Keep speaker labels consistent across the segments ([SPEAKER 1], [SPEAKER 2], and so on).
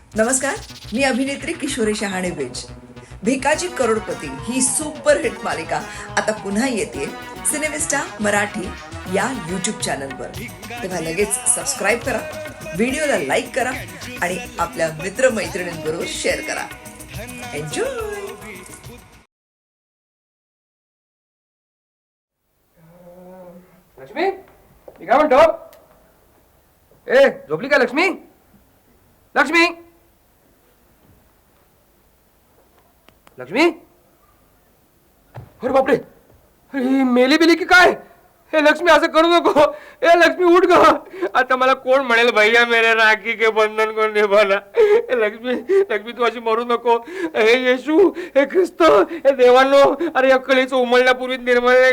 [SPEAKER 1] नमस्कार, मी अभिनेत्री किशोरी शहाणे बेज. भिकाजी करोडपती ही सुपरहिट मालिका आता पुन्हा येते सिनेमिस्टा मराठी या यूट्यूब चॅनलवर. तेव्हा लगेच सबस्क्राईब करा, व्हिडिओला लाईक करा आणि आपल्या मित्रमैत्रिणींबरोबर शेअर करा. एन्जॉय.
[SPEAKER 2] लक्ष्मी, मी काय म्हणतो? ए, झोपली का लक्ष्मी? लक्ष्मी, लक्ष्मी, अरे बापरे, अरे मेली बिली की काय? हे लक्ष्मी, असं करू नको. ए लक्ष्मी, उठ ग. आता मला कोण म्हणेल, भैया मेरे राखी के बंधन को निभाना. लक्ष्मी, लक्ष्मी, तू अशी मरू नको. हे येशू, हे ख्रिस्त, हे देवांनो, अरे अक्कलीचं उमलण्यापूर्वी निर्मळ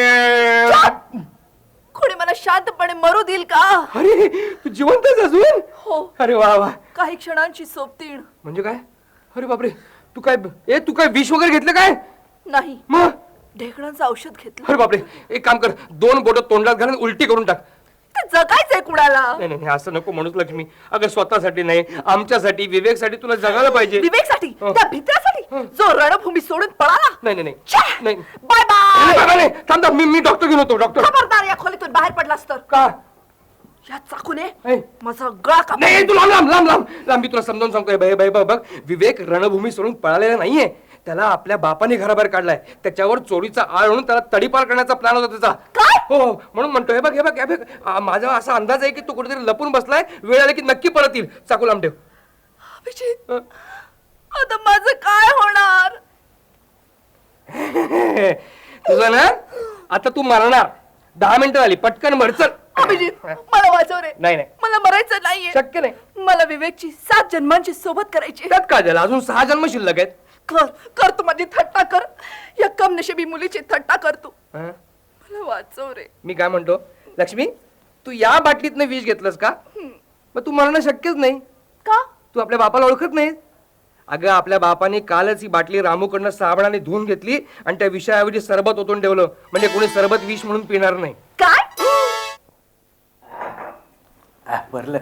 [SPEAKER 3] कोणी मला शांतपणे मरू देईल का?
[SPEAKER 2] अरे तू जिवंत आहेस अजून?
[SPEAKER 3] हो.
[SPEAKER 2] अरे वा वा.
[SPEAKER 3] काही क्षणांची सोबतीण.
[SPEAKER 2] म्हणजे काय? अरे बापरे, तू काय विष वगैरे घेतलं काय?
[SPEAKER 3] नाही,
[SPEAKER 2] मग?
[SPEAKER 3] ढेकणांचं औषध घेतलं.
[SPEAKER 2] अरे बापरे, एक काम कर, 2 बोटं तोंडात घालून उलटी करून टाक.
[SPEAKER 3] ते जगायचंय कुणाला?
[SPEAKER 2] नाही नाही, असं नको म्हणूस लक्ष्मी. अगं स्वतःसाठी नाही, आमच्यासाठी, विवेकसाठी तुला जगायला पाहिजे.
[SPEAKER 3] विवेकसाठी,
[SPEAKER 2] हो.
[SPEAKER 3] त्या भित्रासाठी जो रणभूमी सोडून पळाला.
[SPEAKER 2] नाही नाही
[SPEAKER 3] छे!
[SPEAKER 2] नाही.
[SPEAKER 3] Bye bye.
[SPEAKER 2] नाही, थांब थांब, मी डॉक्टर घेऊन होतो. डॉक्टर
[SPEAKER 3] खबरदार, या खोलीतून बाहेर पडलास तर
[SPEAKER 2] का?
[SPEAKER 3] या चाकूने
[SPEAKER 2] ऐ.
[SPEAKER 3] माझा गळा काप.
[SPEAKER 2] नाही, तू लांब लांब लांब लांब लांब. मी तुला समजावून सांगतोय, बाई बाई बघ, विवेक रणभूमी सोडून पळालेला नाहीये. त्याला आपल्या बापाने घराबाहेर काढलाय. त्याच्यावर चोरीचा आळ म्हणून त्याला तडीपार करण्याचा प्लॅन होता त्याचा.
[SPEAKER 3] काय?
[SPEAKER 2] हो, म्हणून म्हणतोय, हे बघ, माझा असा अंदाज आहे की तो कुठेतरी लपून बसलाय. वेळ आली की नक्की परत येईल. चाकू लांब ठेव.
[SPEAKER 3] अभिजित, आता माझं काय होणार?
[SPEAKER 2] तुझं ना, आता तू मरणार. 10 मिनिटं झाली, पटकन मर. चल
[SPEAKER 3] अभिजित, मला वाचव रे.
[SPEAKER 2] नाही नाही,
[SPEAKER 3] मला मरायचं नाहीये.
[SPEAKER 2] शक्य नाही.
[SPEAKER 3] मला विवेकची 7 जन्मांची सोबत करायची.
[SPEAKER 2] त्यात काय झालं? अजून 6 जन्म शिल्लक आहेत.
[SPEAKER 3] कर तू माझी थट्टा कर. या कमनशिबी मुलीची थट्टा कर तू.
[SPEAKER 2] हं?
[SPEAKER 3] मला वाचव रे.
[SPEAKER 2] मी काय म्हणतो, लक्ष्मी, तू या बाटलीतनं विष घेतलंस का? मग तू मरणं शक्यच नाही.
[SPEAKER 3] का?
[SPEAKER 2] तू आपल्या बापाला ओळखत नाही. अगं, आपल्या बापाने कालच ही बाटली रामूकडनं साबणाने धुवून घेतली आणि त्या विषयाऐवजी सरबत ओतून ठेवलं. म्हणजे कोणी सरबत विष म्हणून पिणार नाही.
[SPEAKER 3] काय?
[SPEAKER 4] भरलं.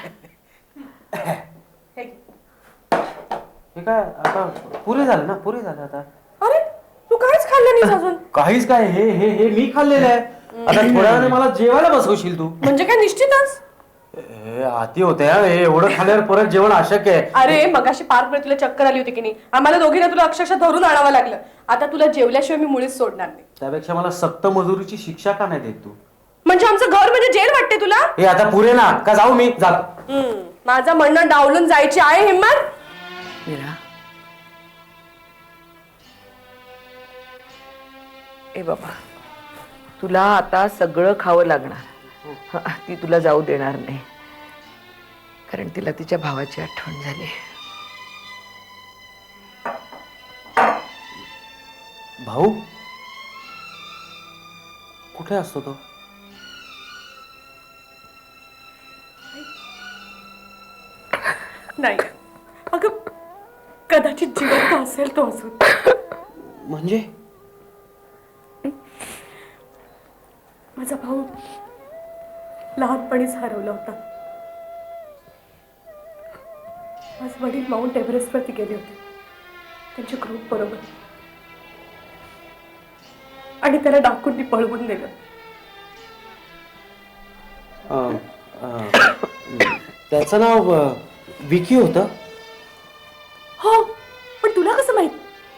[SPEAKER 4] हे काय आता पुरे झालं ना? पुरे झालं आता.
[SPEAKER 3] अरे, तू काहीच खाल्लं नाही अजून.
[SPEAKER 4] काहीच काय, हे हे हे मी खाल्लेलं आहे. आता थोड्या वेळाने मला जेवायला बसवशील तू?
[SPEAKER 3] म्हणजे काय निश्चितच?
[SPEAKER 4] हे आती होते हा. हे एवढं खाल्ल्यावर परत जेवण अशक्य आहे.
[SPEAKER 5] अरे मगाशी पार्क मध्ये तुला चक्कर आली होती की नाही? आम्हाला दोघींना तुला अक्षरशः धरून आणावं लागलं. आता तुला जेवल्याशिवाय मी मुळीच सोडणार नाही.
[SPEAKER 4] त्यापेक्षा मला सक्त मजुरीची शिक्षा का नाही देत तू?
[SPEAKER 5] म्हणजे आमचं घर म्हणजे जेल वाटते तुला?
[SPEAKER 4] हे आता पुरे ना का? जाऊ मी जातो.
[SPEAKER 5] माझं म्हणणं डावलून जायची आहे हिम्मत?
[SPEAKER 1] मीरा, ए बाबा, तुला आता सगळं खावं लागणार. ती तुला जाऊ देणार नाही, कारण तिला तिच्या भावाची आठवण झाली.
[SPEAKER 4] भाऊ कुठे असतो तो?
[SPEAKER 5] नाही अगं, कदाचित जिवंत असेल तो अजून.
[SPEAKER 4] म्हणजे
[SPEAKER 5] माझा भाऊ लहानपणीच हरवला होता. माझे वडील माउंट एव्हरेस्ट वरती गेले होते त्यांच्या ग्रुप बरोबर, आणि त्याला डाकूंनी पळवून नेलं.
[SPEAKER 4] त्याचं नाव विकी होतं.
[SPEAKER 5] हो, पण तुला कसं माहित?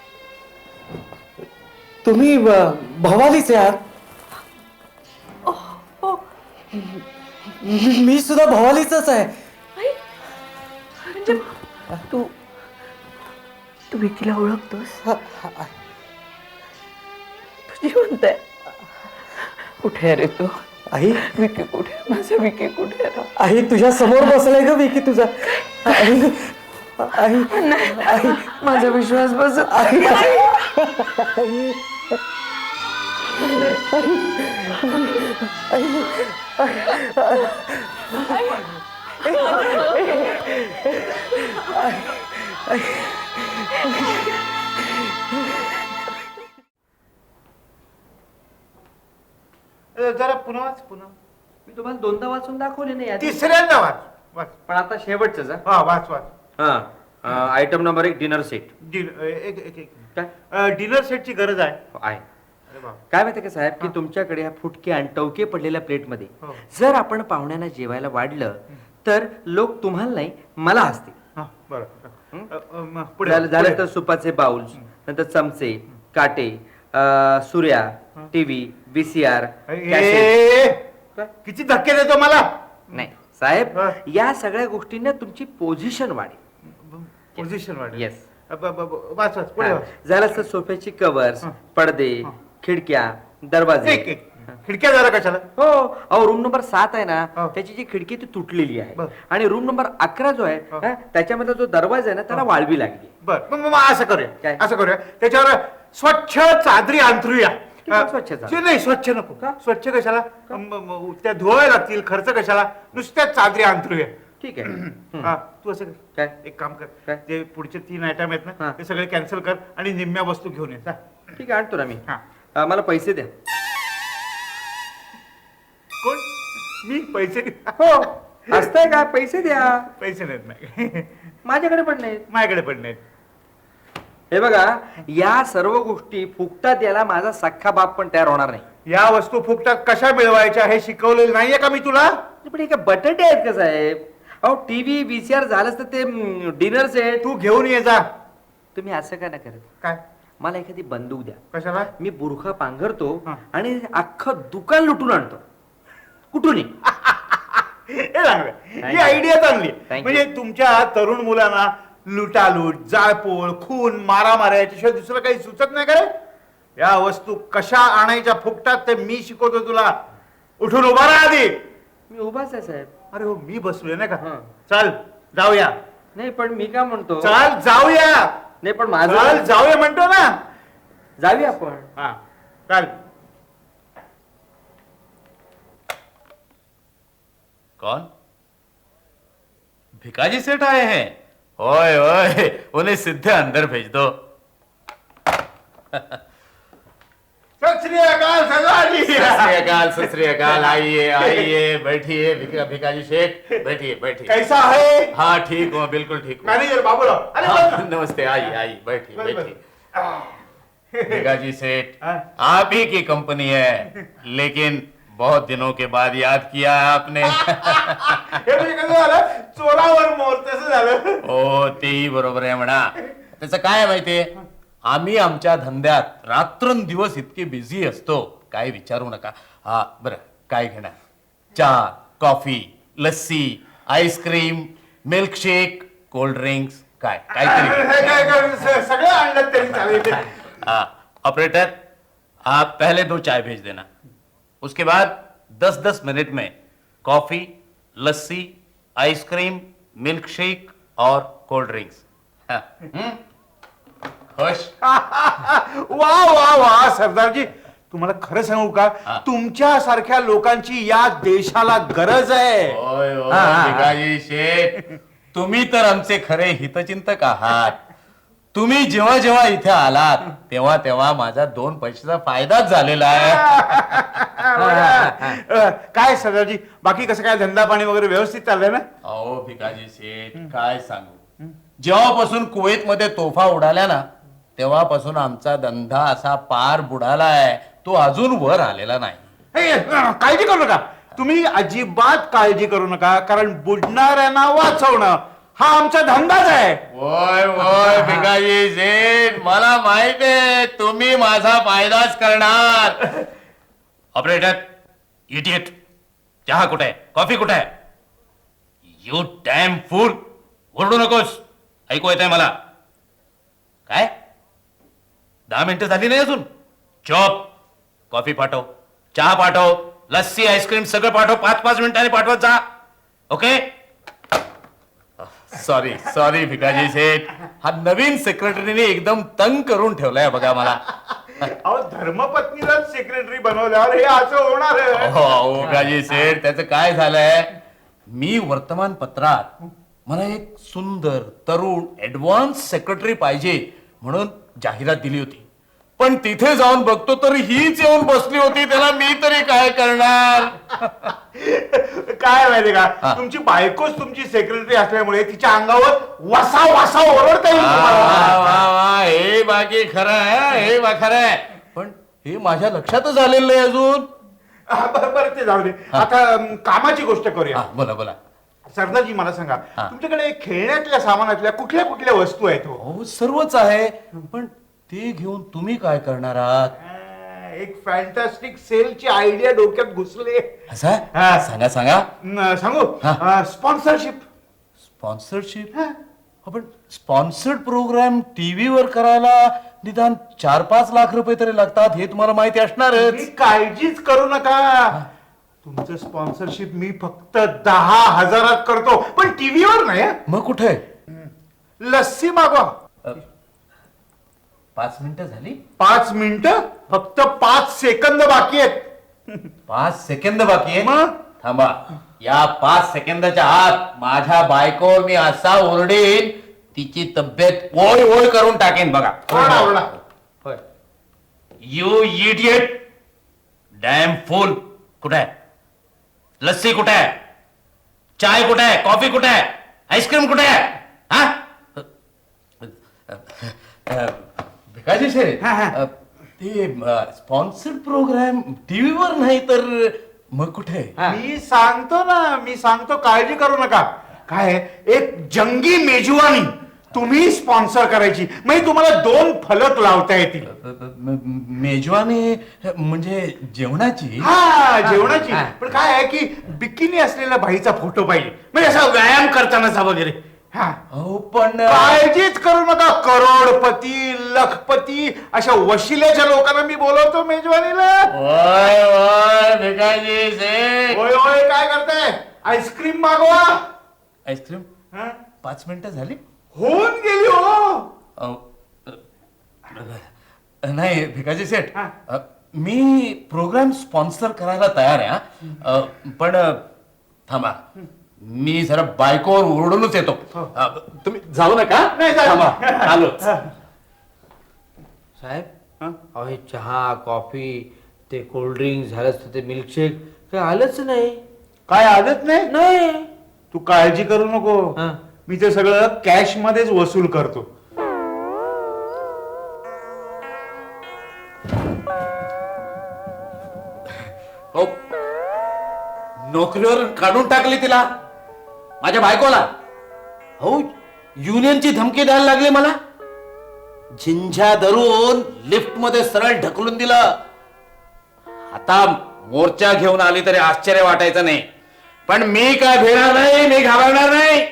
[SPEAKER 4] तुम्ही भवालीच यार.
[SPEAKER 5] हो.
[SPEAKER 4] मी सुद्धा भवालीचाच आहे.
[SPEAKER 5] म्हणजे
[SPEAKER 1] तू तू विकीला ओळखतोस? तू जिवंत आहे. कुठे आहे रे तू?
[SPEAKER 4] आई,
[SPEAKER 1] विकी कुठे? माझा विकी कुठे आहे?
[SPEAKER 4] आई तुझ्या समोर बसलाय ग विकी तुझा. आई, आई, आई,
[SPEAKER 1] माझा विश्वास बसत
[SPEAKER 4] आई,
[SPEAKER 6] जरा पुन्हा
[SPEAKER 2] मी तुम्हाला 2दा वाचून दाखवले नाही.
[SPEAKER 6] तिसऱ्यांदा वाच वाच.
[SPEAKER 2] पण आता शेवटच.
[SPEAKER 6] हा वाच वाच.
[SPEAKER 2] हा item number 1 dinner set
[SPEAKER 6] dinner सेटची गरज आहे.
[SPEAKER 2] आहे.
[SPEAKER 6] अरे बाप.
[SPEAKER 2] काय माहिती का साहेब की तुमच्याकडे ह्या फुटके आणि टवके पडलेल्या प्लेटमध्ये
[SPEAKER 6] हो.
[SPEAKER 2] जर आपण पाहुण्यांना जेवायला वाढलं तर लोक तुम्हाला नाही मला हसतील.
[SPEAKER 6] हा, बरं. पुढे
[SPEAKER 2] झालं
[SPEAKER 6] पुढे.
[SPEAKER 2] तर सुपाचे बाउल्स, नंतर चमचे, काटे, सूर्या, टीव्ही, VCR,
[SPEAKER 6] ए, किती धक्के देतो मला.
[SPEAKER 2] नाही साहेब
[SPEAKER 6] हा.
[SPEAKER 2] या सगळ्या गोष्टींना तुमची पोझिशन वाढेल.
[SPEAKER 6] पोझिशन वाढ.
[SPEAKER 2] येस.
[SPEAKER 6] वाच वाच पुढे वाच.
[SPEAKER 2] झालं तर सोफ्याची कव्हर्स, पडदे, खिडक्या, दरवाजे.
[SPEAKER 6] एक खिडक्या जरा कशाला.
[SPEAKER 2] हो अहो रूम नंबर 7 आहे ना
[SPEAKER 6] हो.
[SPEAKER 2] त्याची जी खिडकी ती तुटलेली आहे
[SPEAKER 6] बर.
[SPEAKER 2] आणि रूम नंबर 11 जो आहे
[SPEAKER 6] हो.
[SPEAKER 2] त्याच्यामध्ये जो दरवाजा आहे ना त्याला वाळवी लागली.
[SPEAKER 6] बर मग असं करूया.
[SPEAKER 2] काय?
[SPEAKER 6] असं करूया त्याच्यावर स्वच्छ चादरी अंथरूया.
[SPEAKER 2] किती स्वच्छ चादरी?
[SPEAKER 6] नाही स्वच्छ नको.
[SPEAKER 2] का?
[SPEAKER 6] स्वच्छ कशाला. त्या धुवायला लागतील, खर्च कशाला. नुसत्या चादरी अंथरूया.
[SPEAKER 2] ठीक आहे.
[SPEAKER 6] हा तू असं कर.
[SPEAKER 2] काय?
[SPEAKER 6] एक काम कर.
[SPEAKER 2] काय?
[SPEAKER 6] ते पुढचे 3 आयटम आहेत
[SPEAKER 2] हा.
[SPEAKER 6] ना ते सगळे कॅन्सल कर आणि निम्म्या वस्तू घेऊन ये. जा.
[SPEAKER 2] ठीक आहे आणतो ना मी.
[SPEAKER 6] हा.
[SPEAKER 2] मला पैसे द्या.
[SPEAKER 6] कोण. मी पैसे.
[SPEAKER 2] हो असतंय का पैसे द्या.
[SPEAKER 6] पैसे नाहीत नाही.
[SPEAKER 2] माझ्याकडे पण नाही.
[SPEAKER 6] माझ्याकडे पण नाहीत.
[SPEAKER 2] हे बघा या सर्व गोष्टी फुकटात याला माझा सख्खा बाप पण तयार होणार नाही.
[SPEAKER 6] या वस्तू फुकटात कशा मिळवायच्या हे शिकवलेलं नाहीये का मी तुला.
[SPEAKER 2] पण हे काय बटाटे आहेत का साहेब. अहो टीव्ही VCR झालंच तर ते डिनर सेट.
[SPEAKER 6] तू घेऊन ये जा.
[SPEAKER 2] तुम्ही असं का नाही करत.
[SPEAKER 6] काय
[SPEAKER 2] मला एखादी बंदूक द्या.
[SPEAKER 6] कशाला.
[SPEAKER 2] मी बुरखा पांघरतो
[SPEAKER 6] हा.
[SPEAKER 2] आणि अख्खं दुकान लुटून आणतो. कुठून
[SPEAKER 6] हे चांगलं. ही
[SPEAKER 2] Thank you.
[SPEAKER 6] आयडिया चांगली आहे.
[SPEAKER 2] Thank you.
[SPEAKER 6] म्हणजे तुमच्या तरुण मुलांना लुटालूट, जाळपोळ, खून, मारामाऱ्या याच्याशिवाय दुसरं काही सुचत नाही का रे. या वस्तू कशा आणायच्या फुकटात ते मी शिकवतो तुला. उठून उभा राहा आधी.
[SPEAKER 2] मी उभाच आहे साहेब.
[SPEAKER 6] अरे हो मी बसलोय नाही का.
[SPEAKER 2] हा.
[SPEAKER 6] चल जाऊया.
[SPEAKER 2] नाही पण मी काय म्हणतो.
[SPEAKER 6] चल जाऊया.
[SPEAKER 2] नाही पण
[SPEAKER 6] चल
[SPEAKER 2] माझं
[SPEAKER 6] जाऊया म्हणतो ना.
[SPEAKER 2] जाऊया आपण.
[SPEAKER 6] हा चल.
[SPEAKER 7] कौन? भिकाजी सेठ आए हैं? ओए ओए उन्हें सीधे अंदर भेज दो.
[SPEAKER 6] सत श्री अकाल सरदारजी.
[SPEAKER 7] सत श्री अकाल. आइए आइए बैठिए भिकाजी सेठ बैठिए बैठिए.
[SPEAKER 6] कैसा है.
[SPEAKER 7] हाँ ठीक हूँ बिल्कुल ठीक हूँ.
[SPEAKER 6] मॅनेजर बाबूराव. अरे
[SPEAKER 7] हाँ,
[SPEAKER 6] बस.
[SPEAKER 7] नमस्ते आइए आइए बैठिए
[SPEAKER 6] बस, बस.
[SPEAKER 7] बैठिए. भिकाजी सेठ
[SPEAKER 6] हाँ.
[SPEAKER 7] आप ही की कंपनी है लेकिन बहुत दिनों के बाद याद किया है आपने.
[SPEAKER 6] हे म्हणजे कसं झालं चोरावर मोर तसं झालं.
[SPEAKER 7] हो तेही बरोबर आहे म्हणा. त्याचं काय आहे माहितीये आम्ही आमच्या धंद्यात रात्रंदिवस इतके बिझी असतो काय विचारू नका. हा बरं काय घेणार. चहा, coffee, lassi, ice cream, milkshake, cold drinks काय काहीतरी.
[SPEAKER 6] सगळं आणलं तरी चालेल.
[SPEAKER 7] हाँ ऑपरेटर आप पहले 2 चाय भेज देना. उसके बाद 10-10 मिनट में coffee, lassi, ice cream, milk shake और कोल्ड ड्रिंक्स. हाँ, खुश.
[SPEAKER 6] वा वा वा सरदारजी तुम्हाला खरं सांगू का
[SPEAKER 7] हा.
[SPEAKER 6] तुमच्या सारख्या लोकांची या देशाला गरज आहे.
[SPEAKER 7] ओय ओय
[SPEAKER 6] हा.
[SPEAKER 7] भिकाजी शेठ तुम्ही तर आमचे खरे हितचिंतक आहात. तुम्ही जेव्हा जेव्हा इथे आलात तेव्हा तेव्हा माझा 2 पैशाचा फायदाच झालेला आहे.
[SPEAKER 6] काय सरदारजी बाकी कसं काय धंदा पाणी वगैरे व्यवस्थित चाललंय ना.
[SPEAKER 7] अहो भिकाजी शेठ काय सांगू. जेव्हापासून कुवेत मध्ये तोफा उडाल्या ना तेव्हापासून आमचा धंदा असा पार बुडालाय. तो अजून वर आलेला नाही.
[SPEAKER 6] हे, काळजी करू नका. तुम्ही अजिबात काळजी करू नका कारण बुडणाऱ्यांना वाचवणं हा आमचा धंदाच आहे.
[SPEAKER 7] ओय ओय भिकाजी शेठ मला माहित आहे तुम्ही माझा फायदाच करणार. ऑपरेटर इडियट चहा कुठे आहे कॉफी कुठे आहे. You damn fool. ओरडू नकोस ऐकू येत आहे मला. काय 10 मिनिटं झाली नाही अजून. चॉप कॉफी पाठव, चहा पाठव, लस्सी आईस्क्रीम सगळं पाठव. 5-5 मिनिटांनी पाठवत जा. ओके. सॉरी सॉरी भिकाजी शेठ हा नवीन सेक्रेटरीने एकदम तंग करून ठेवलाय बघा मला.
[SPEAKER 6] अहो धर्मपत्नीला सेक्रेटरी बनवल्यावर हे असं होणार आहे.
[SPEAKER 7] हो भिकाजी शेठ त्याचं काय झालंय मी वर्तमानपत्रात मला एक सुंदर तरुण ऍडव्हान्स सेक्रेटरी पाहिजे म्हणून जाहिरात दिली होती. पण तिथे जाऊन बघतो तर हीच येऊन बसली होती, त्याला मी तरी काय करणार?
[SPEAKER 6] काय माहितीये का, तुमची बायकोच तुमची सेक्रेटरी असल्यामुळे तिच्या अंगावर वसा वसा ओरडता येईल
[SPEAKER 7] वा,
[SPEAKER 6] तुम्हाला.
[SPEAKER 7] वा, वा, हे बाकी खरं आहे, हे खरं आहे. पण हे माझ्या लक्षातच आलेलं नाही अजून.
[SPEAKER 6] बरं ते जाऊ दे. आता कामाची गोष्ट करूया.
[SPEAKER 7] बोला बोला.
[SPEAKER 6] सरदारजी मला सांगा, तुमच्याकडे खेळण्यातल्या सामानातल्या कुठल्या कुठल्या वस्तू आहेत हो?
[SPEAKER 7] हो सर्वच आहे, पण ते घेऊन तुम्ही काय करणार आहात?
[SPEAKER 6] एक फॅन्टॅस्टिक सेलची आयडिया डोक्यात घुसले.
[SPEAKER 7] असं
[SPEAKER 6] हा.
[SPEAKER 7] सांगा सांगा.
[SPEAKER 6] सांगू? स्पॉन्सरशिप.
[SPEAKER 7] स्पॉन्सरशिप? पण स्पॉन्सर्ड प्रोग्राम टीव्हीवर करायला निदान 4-5 लाख रुपये तरी लागतात, हे तुम्हाला माहिती असणारच.
[SPEAKER 6] काळजीच करू नका, तुमचं स्पॉन्सरशिप मी फक्त 10,000 करतो, पण टीव्हीवर नाही.
[SPEAKER 7] मग कुठे?
[SPEAKER 6] लस्सी मागवा.
[SPEAKER 7] 5 मिनिटं झाली.
[SPEAKER 6] 5 मिनिटं? फक्त 5 सेकंद बाकी आहेत.
[SPEAKER 7] 5 सेकंद बाकी आहे.
[SPEAKER 6] मग?
[SPEAKER 7] थांबा, या 5 सेकंदाच्या आत माझ्या बायको मी असा ओरडेन, तिची तब्येत ओळ ओळ करून टाकेन बघा.
[SPEAKER 6] ओरडा, ओरडा.
[SPEAKER 7] होय. You idiot, damn fool. कुठे आहे लस्सी? कुठे आहे चाय? कुठे आहे कॉफी? कुठे आहे आईस्क्रीम? कुठे आहे? हा भिकाजी शेरे, ते स्पॉन्सर्ड प्रोग्राम टीव्हीवर नाही तर मग कुठे?
[SPEAKER 6] मी सांगतो, काळजी करू नका. काय आहे, एक जंगी मेजवानी तुम्ही स्पॉन्सर करायची, म्हणजे तुम्हाला 2 फलक लावता येतील.
[SPEAKER 7] मेजवानी म्हणजे जेवणाची?
[SPEAKER 6] हा, जेवणाची. पण काय आहे की बिकिनी असलेल्या बाईचा फोटो पाहिजे, म्हणजे असा व्यायाम करतानाचा वगैरे. हा,
[SPEAKER 7] हो पण
[SPEAKER 6] काळजीच करू नका. करोडपती, लखपती अशा वशिल्याच्या लोकांना मी बोलवतो मेजवानीला.
[SPEAKER 7] ओय ओय भिकाजी शेठ.
[SPEAKER 6] होय होय, काय करताय? आईस्क्रीम मागवा.
[SPEAKER 7] आईस्क्रीम?
[SPEAKER 6] हा?
[SPEAKER 7] 5 मिनिटं झाली.
[SPEAKER 6] होऊन गेली हो.
[SPEAKER 7] नाही भिकाजी शेठ, मी प्रोग्राम स्पॉन्सर करायला तयार आहे हा. पण थांबा, मी जरा बायकोवर ओरडूनच येतो. तुम्ही जाऊ नका.
[SPEAKER 6] नाही, जाऊ.
[SPEAKER 7] थांबा, आलोच.
[SPEAKER 4] साहेब, अहो हे चहा कॉफी ते कोल्ड्रिंक झालंच, ते मिल्कशेक काही आलंच नाही.
[SPEAKER 6] काय आदत नाही?
[SPEAKER 4] नाही.
[SPEAKER 6] तू काळजी करू नको,
[SPEAKER 4] हा.
[SPEAKER 6] मी ते सगळं कॅश मध्येच वसूल करतो.
[SPEAKER 7] हो, नोकरीवर काढून टाकली तिला, माझ्या बायकोला. हो, युनियनची धमकी द्यायला लागली मला. झिंझ्या धरून लिफ्ट मध्ये सरळ ढकलून दिलं. आता मोर्चा घेऊन आली तरी आश्चर्य वाटायचं नाही, पण मी काय भिणार नाही, मी घाबरणार नाही.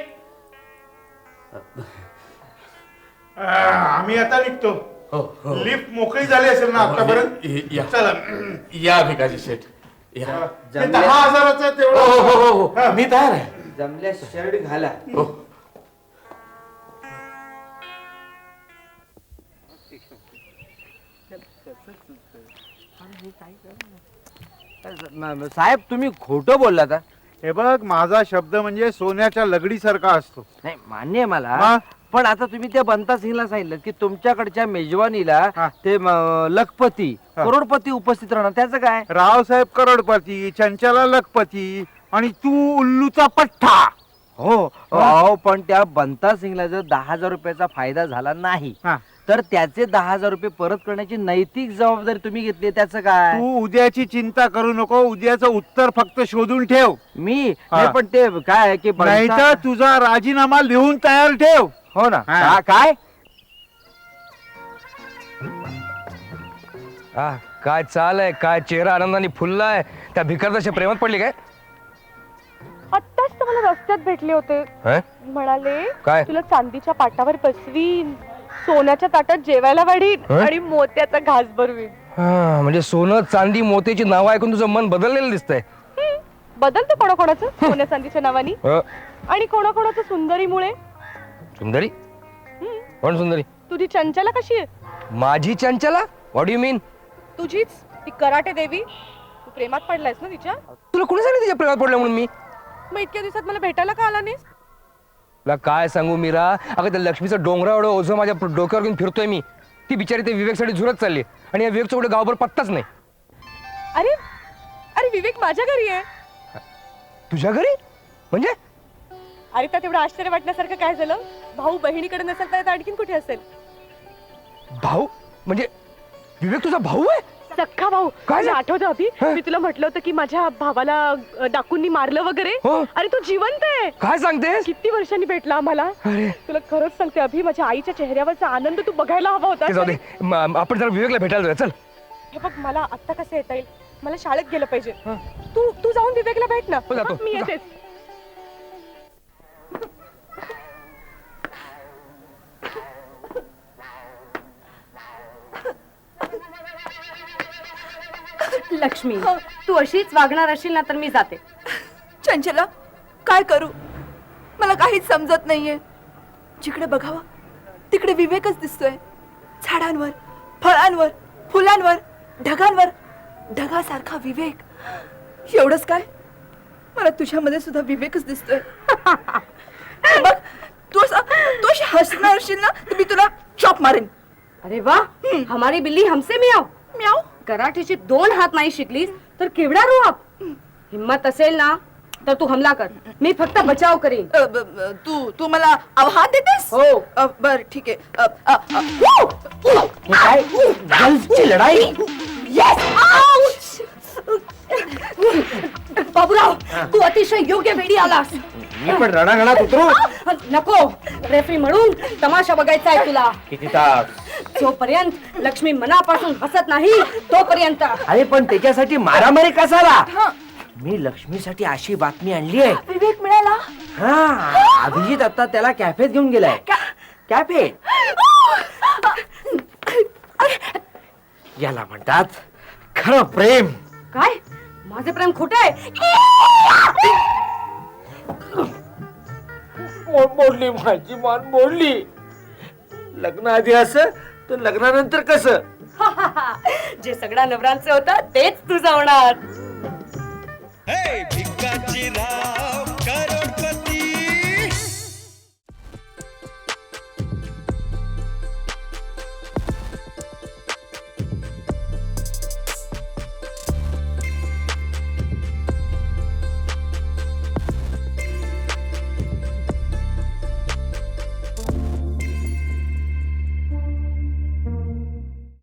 [SPEAKER 6] आम्ही आता निघतो.
[SPEAKER 7] हो, हो.
[SPEAKER 6] लिफ्ट मोकळी झाली असेल ना आतापर्यंत?
[SPEAKER 7] या.
[SPEAKER 6] चला.
[SPEAKER 7] या भिकाजी शेठ या.
[SPEAKER 6] ते 10,000
[SPEAKER 7] हो
[SPEAKER 6] तेवढं.
[SPEAKER 7] हो हो हो, मी तयार आहे.
[SPEAKER 4] जमल्या शर्ट घाला.
[SPEAKER 7] हो.
[SPEAKER 4] साहेब, तुम्ही खोटं बोललात.
[SPEAKER 6] हे बघ, माझा शब्द म्हणजे सोन्याच्या लगडीसारखा असतो.
[SPEAKER 4] नाही, मान्य आहे मला,
[SPEAKER 6] हा?
[SPEAKER 4] पण आता तुम्ही त्या बंता सिंगला सांगितलं की तुमच्याकडच्या मेजवानीला
[SPEAKER 6] हा.
[SPEAKER 4] ते लखपती
[SPEAKER 6] हा.
[SPEAKER 4] करोडपती उपस्थित राहणार, त्याचं काय?
[SPEAKER 6] रावसाहेब करोडपती, चंचला लखपती आणि तू उल्लूचा पठ्ठा.
[SPEAKER 4] हो अहो, पण त्या बंता सिंगला जर 10,000 रुपयाचा फायदा झाला नाही
[SPEAKER 6] हा.
[SPEAKER 4] तर त्याचे 10,000 रुपये परत करण्याची नैतिक जबाबदारी तुम्ही घेतली, त्याचं काय?
[SPEAKER 6] तू उद्याची चिंता करू नको, उद्याचं उत्तर फक्त शोधून ठेव.
[SPEAKER 4] मी
[SPEAKER 6] हा.
[SPEAKER 4] नाही, पण ते काय आहे की
[SPEAKER 6] नाही तर तुझा राजीनामा लिहून तयार ठेव.
[SPEAKER 4] हो ना.
[SPEAKER 6] हा.
[SPEAKER 4] काय
[SPEAKER 2] काय चाल आहे, काय चेहरा आनंदाने फुलला आहे. त्या भिकारदाच्या प्रेमात पडली काय?
[SPEAKER 5] आत्ताच तर मला रस्त्यात भेटले होते.
[SPEAKER 2] हं?
[SPEAKER 5] म्हणाले
[SPEAKER 2] काय?
[SPEAKER 5] तुला चांदीच्या पाटावर बसवीन, सोन्याच्या ताटात जेवायला वाढीन
[SPEAKER 2] हं?
[SPEAKER 5] आणि मोत्याचा घास भरवीन.
[SPEAKER 2] हा, म्हणजे सोनं चांदी मोत्याची नाव ऐकून तुझं मन बदललेलं दिसतंय.
[SPEAKER 5] बदलतं कोणाकोणाचं सोन्या चांदीच्या नावानी, आणि कोणाकोणाचं सुंदरीमुळे.
[SPEAKER 2] सुंदरी? कोण सुंदरी?
[SPEAKER 5] तुझी चंचला कशी आहे?
[SPEAKER 2] माझी चंचला? What you mean?
[SPEAKER 5] तुझीच ती कराटे देवी. तू प्रेमात पडलायस ना तिच्या?
[SPEAKER 2] तुला कोणी सांगितलं तिच्या प्रेमात पडलं म्हणून? मी
[SPEAKER 5] मग इतक्या दिवसात मला भेटायला का आला नाहीस?
[SPEAKER 2] तुला काय सांगू मीरा, अगं त्या लक्ष्मीचं डोंगरा एवढं ओझं माझ्या डोक्यावर घेऊन फिरतोय मी. ती बिचारी ते विवेकसाठी झुरत चालली आणि या विवेकचा कुठे गावभर पत्ताच नाही.
[SPEAKER 5] अरे अरे विवेक माझ्या घरी आहे.
[SPEAKER 2] तुझ्या घरी म्हणजे?
[SPEAKER 5] अरे त्यात एवढं आश्चर्य वाटण्यासारखं काय झालं? भाऊ बहिणीकडे नसेल तर आणखीन कुठे असेल?
[SPEAKER 2] भाऊ म्हणजे विवेक तुझा भाऊ आहे?
[SPEAKER 5] सख्खा भाऊ.
[SPEAKER 2] काय
[SPEAKER 5] तुला आठवतं अभि,
[SPEAKER 2] हं?
[SPEAKER 5] मी तुला म्हटलं होतं की माझ्या भावाला डाकूंनी मारलं वगैरे.
[SPEAKER 2] हो.
[SPEAKER 5] अरे तो जिवंत आहे.
[SPEAKER 2] काय सांगतेस?
[SPEAKER 5] किती वर्षांनी भेटला आम्हाला.
[SPEAKER 2] अरे
[SPEAKER 5] तुला खरंच सांगते अभि, माझ्या आईच्या चेहऱ्यावरचा आनंद तू बघायला हवा होता.
[SPEAKER 2] ते जाऊ दे. आपण जरा विवेकला भेटायला जाऊया. चल.
[SPEAKER 5] हे बघ, मला आत्ता कसं येता येईल? मला शाळेत गेलं पाहिजे. तू जाऊन विवेकला भेट ना.
[SPEAKER 2] हो, जातो.
[SPEAKER 5] मी येतेच.
[SPEAKER 8] लक्ष्मी, तू अशीच वागणार असेल ना तर मी जाते.
[SPEAKER 3] चंचला, काय करू? मला काहीच समजत नाहीये. जिकडे बघावं तिकडे विवेकच दिसतोय. झाडांवर, फळांवर, फुलांवर, ढगांवर ढगासारखा विवेक. एवढंच काय, मला तुझ्यामध्ये सुद्धा विवेकच दिसतोय. बघ, तू अशी हसणार असशील ना तर मी तुला चॉप मारेन.
[SPEAKER 8] अरे वा, हमारी बिल्ली हमसे मियाव.
[SPEAKER 3] म्याव.
[SPEAKER 8] कराठीचे 2 हात नाही शिकलीस तर केवढा रोप. हिम्मत असेल ना तर तू हमला कर, मी फक्त बचाव करीन.
[SPEAKER 3] तू मला आव्हान देतेस?
[SPEAKER 8] हो.
[SPEAKER 3] बर ठीक आहे.
[SPEAKER 4] हे काय गर्ल्सची लढाई?
[SPEAKER 8] बाबूराव, तू अतिशय योग्य वेळी आलास.
[SPEAKER 4] मी पण रणांगणात उतरू.
[SPEAKER 8] नको, रेफरी म्हणून तमाशा बघायचा आहे तुला.
[SPEAKER 4] किती तास?
[SPEAKER 8] जोपर्यंत लक्ष्मी मनापासून हसत नाही तोपर्यंत.
[SPEAKER 4] अरे पण त्याच्यासाठी मारामारी कसाला? मी लक्ष्मीसाठी अशी बातमी आणली आहे.
[SPEAKER 3] विवेक मिळाला.
[SPEAKER 4] हा, अभिजित आता त्याला कॅफेत घेऊन गेलाय. कॅफे याला म्हणतात खरं प्रेम.
[SPEAKER 8] काय? माझे प्रेम खोटे आहे?
[SPEAKER 4] मोडली माझी मान मोडली. लग्न आधी असं तर लग्नानंतर कसं?
[SPEAKER 8] जे सगळ्या नवरांचं होतं तेच तुझं होणार.
[SPEAKER 9] भिकाची राह